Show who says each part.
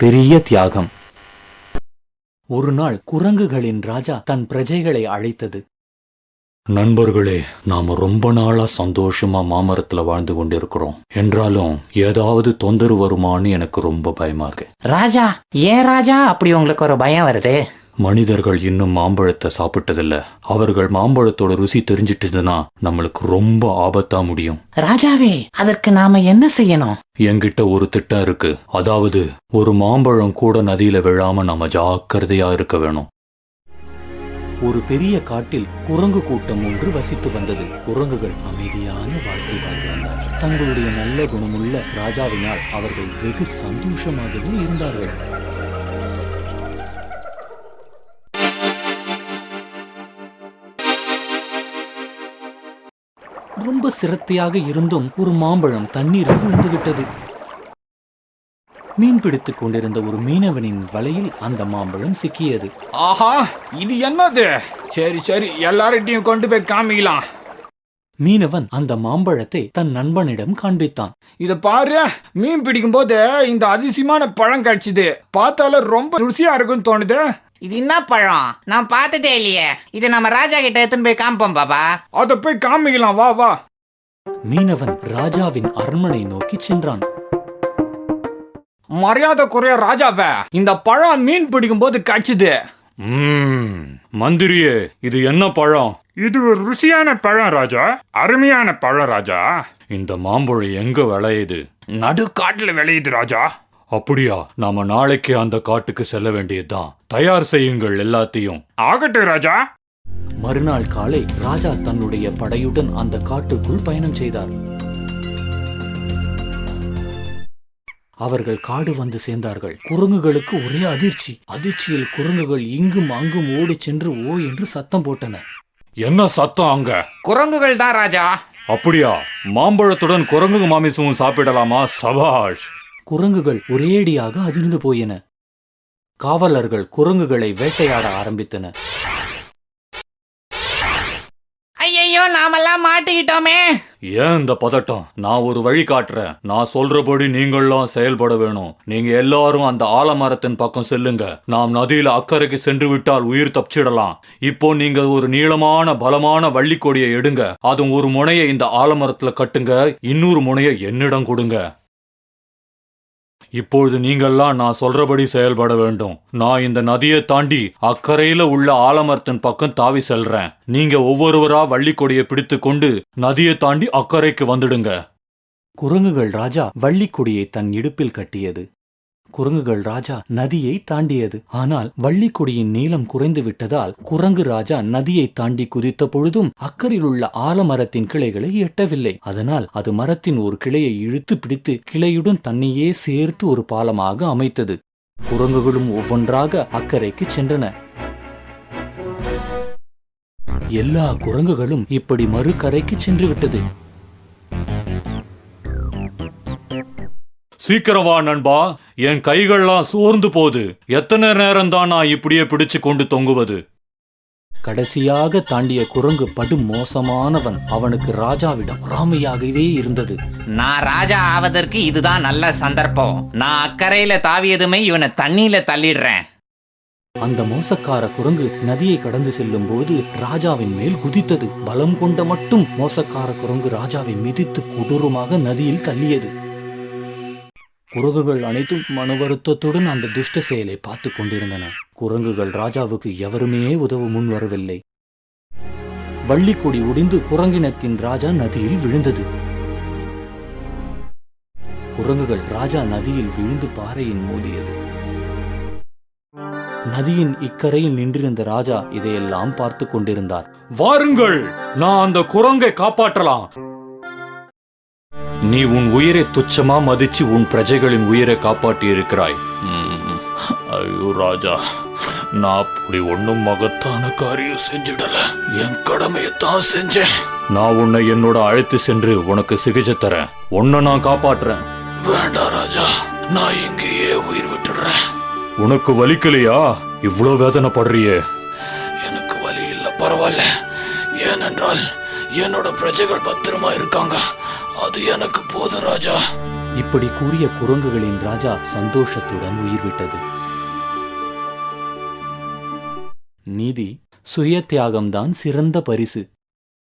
Speaker 1: பெரிய தியாகம். ஒரு நாள் குரங்குகளின் ராஜா தன் பிரஜைகளை அழைத்தது. நண்பர்களே, நாம ரொம்ப நாளா சந்தோஷமா மாமரத்துல வாழ்ந்து கொண்டிருக்கிறோம். என்றாலும் ஏதாவது தொந்தரவு வருமானு எனக்கு ரொம்ப பயமா இருக்கு.
Speaker 2: ராஜா, ஏன் ராஜா அப்படி உங்களுக்கு ஒரு பயம் வருது?
Speaker 1: மனிதர்கள் இன்னும் மாம்பழத்தை சாப்பிட்டதில்ல. அவர்கள் மாம்பழத்தோட ருசி தெரிஞ்சிட்டதுன்னா நம்மளுக்கு ரொம்ப ஆபத்தா முடியும்.
Speaker 2: ராஜாவே, அதற்கு நாம என்ன செய்யணும்?
Speaker 1: என்கிட்ட ஒரு திட்டம் இருக்கு. அதாவது ஒரு மாம்பழம் கூட நதியில விழாம நாம ஜாக்கிரதையா இருக்க வேணும். ஒரு பெரிய காட்டில் குரங்கு கூட்டம் ஒன்று வசித்து வந்தது. குரங்குகள் அமைதியான வாழ்க்கை வாழ்ந்து வந்தார்கள். தங்களுடைய நல்ல குணமுள்ள ராஜாவினால் அவர்கள் வெகு சந்தோஷமாகவும் இருந்தார்கள். ரொம்ப சிரத்தையாக இருந்தும் ஒரு மாம்பழம் தண்ணீரில் விழுந்துவிட்டது. மீன் பிடித்துக் கொண்டிருந்த ஒரு மீனவனின் வலையில் அந்த மாம்பழம் சிக்கியது.
Speaker 3: ஆஹா, இது என்னது? சரி சரி, எல்லார்ட்டையும் கொண்டு போய் காமிக்கலாம்.
Speaker 1: மீனவன் அந்த மாம்பழத்தை தன் நண்பனிடம் காண்பித்தான்.
Speaker 3: இத பாரு, மீன் பிடிக்கும் போது இந்த அதிசயமான பழம் கிடைச்சது. பார்த்தால ரொம்ப ருசியா இருக்குன்னு தோணுது.
Speaker 2: இது என்ன பழம்? நான் பார்த்ததே இல்லையே. இது நம்ம ராஜா கிட்ட எடுத்துன்னு போய் காமிப்போம் பாபா.
Speaker 3: அத போய் காமிக்கலாம், வா வா.
Speaker 1: மீனவன் ராஜாவின் அரண்மனை நோக்கி சென்றான்.
Speaker 3: மரியாதை குறைய ராஜாவே, இந்த பழம் மீன் பிடிக்கும் போது கிடைச்சது.
Speaker 1: மந்திரியே, இது என்ன பழம்?
Speaker 4: இது ஒரு ருசியான பழம் ராஜா, அருமையான பழம் ராஜா.
Speaker 1: இந்த மாம்பழம் எங்க விளையுது?
Speaker 4: நடு காட்டுல விளையுது ராஜா.
Speaker 1: அப்படியா? நாம நாளைக்கு அந்த காட்டுக்கு செல்ல வேண்டியதுதான். தயார் செய்யுங்கள் எல்லாத்தையும்.
Speaker 4: ஆகட்டும் ராஜா.
Speaker 1: மறுநாள் காலை ராஜா தன்னுடைய படையுடன் அந்த காட்டுக்குள் பயணம் செய்தார். அவர்கள் காடு வந்து சேர்ந்தார்கள். குரங்குகளுக்கு ஒரே அதிர்ச்சி. அதிர்ச்சியில் குரங்குகள் இங்கும் அங்கும் ஓடி சென்று ஓ என்று சத்தம் போட்டன.
Speaker 4: என்ன சத்தம் அங்க?
Speaker 2: குரங்குகள் தான் ராஜா.
Speaker 1: அப்படியா? மாம்பழத்துடன் குரங்கு மாமிசமும் சாப்பிடலாமா? சபாஷ்! குரங்குகள் ஒரேடியாக அதிர்ந்து போயின. காவலர்கள் குரங்குகளை வேட்டையாட ஆரம்பித்தனர்.
Speaker 2: ஐயோ, நாமெல்லாம் மாட்டிக்கிட்டோமே.
Speaker 1: ஏன் இந்த பதட்டம்? நான் ஒரு வழி காட்டுறேன். நான் சொல்றபடி நீங்களும் செயல்பட வேணும். நீங்க எல்லாரும் அந்த ஆலமரத்தின் பக்கம் செல்லுங்க. நாம் நதியில அக்கறைக்கு சென்று விட்டால் உயிர் தப்பிச்சிடலாம். இப்போ நீங்க ஒரு நீளமான பலமான வள்ளிக்கொடியை எடுங்க. அதுவும் ஒரு முனையை இந்த ஆலமரத்துல கட்டுங்க. இன்னொரு முனையை என்னிடம் கொடுங்க. இப்பொழுது நீங்கள்லாம் நான் சொல்றபடி செயல்பட வேண்டும். நான் இந்த நதியை தாண்டி அக்கறையில உள்ள ஆலமரத்தின் பக்கம் தாவி செல்றேன். நீங்க ஒவ்வொருவரா வள்ளிக்கொடியை பிடித்து கொண்டு நதியை தாண்டி அக்கறைக்கு வந்துடுங்க. குரங்குகள் ராஜா வள்ளிக்கொடியை தன் இடுப்பில் கட்டியது. குரங்குகள் ராஜா நதியை தாண்டியது. ஆனால் வள்ளிக்கொடியின் நீளம் குறைந்து விட்டதால் குரங்கு ராஜா நதியை தாண்டி குதித்த பொழுதும் அக்கறையில் உள்ள ஆலமரத்தின் கிளைகளை எட்டவில்லை. அதனால் அது மரத்தின் ஒரு கிளையை இழுத்து பிடித்து கிளையுடன் தன்னையே சேர்த்து ஒரு பாலமாக அமைத்தது. குரங்குகளும் ஒவ்வொன்றாக அக்கறைக்கு சென்றன. எல்லா குரங்குகளும் இப்படி மறுகரைக்கு சென்று விட்டது. சீக்கிரவா நண்பா, என் கைகள்லாம் சோர்ந்து போது. எத்தனை நேரம் தான் நான் இப்படியே பிடிச்சு கொண்டு தொங்குவது? கடைசியாக தாண்டிய குரங்கு படு மோசமானவன். அவனுக்கு ராஜாவிடம் பொறாமையாகவே இருந்தது.
Speaker 2: நான் ராஜா ஆவதற்கு இதுதான் நல்ல சந்தர்ப்பம். நான் அக்கறையில தாவியதுமே இவனை தண்ணியில தள்ளிடுறேன்.
Speaker 1: அந்த மோசக்கார குரங்கு நதியை கடந்து செல்லும் போது ராஜாவின் மேல் குதித்தது. பலம் கொண்ட மட்டும் மோசக்கார குரங்கு ராஜாவை மிதித்து கொடூரமாக நதியில் தள்ளியது. குரங்குகள் அனைத்தும் மன வருத்தத்துடன் அந்த துஷ்ட செயலை பார்த்து கொண்டிருந்தன. குரங்குகள் ராஜாவுக்கு எவருமே உதவ முன் வரவில்லை. வள்ளிக்கொடி ஒடிந்து குரங்கினத்தின் ராஜா நதியில் விழுந்தது. குரங்குகள் ராஜா நதியில் விழுந்து பாறையின் மோதியது. நதியின் இக்கரையில் நின்றிருந்த ராஜா இதையெல்லாம் பார்த்து கொண்டிருந்தார். வாருங்கள், நான் அந்த குரங்கை காப்பாற்றலாம். நீ உன் உயிரை துச்சமா மதிச்சு உன் பிரஜைகளின் உயிரை காப்பாற்றி இருக்கிறாய். ஐயோ ராஜா, நான் அப்படி ஒன்னும் மகத்தான காரியம் செஞ்சிடல. என் கடமையத்தான் செஞ்சேன். நான் உன்னை என்னோட அழைத்து சென்று உனக்கு சிகிச்சை தரேன். உன்னை நான் காப்பாற்றுறேன். வேண்டாம் ராஜா, நான் இங்கேயே உயிர் விட்டுடுறேன். உனக்கு வலிக்கலையா? இவ்வளோ வேதனைப்படுறியே? எனக்கு வலி இல்ல, பரவாயில்ல. ஏனென்றால் என்னோட பிரஜைகள் பத்திரமா இருக்காங்க. அது எனக்கு போதும் ராஜா. இப்படி கூறிய குரங்குகளின் ராஜா சந்தோஷத்துடன் உயிர் விட்டது. நீதி, சுய தியாகம்தான் சிறந்த பரிசு.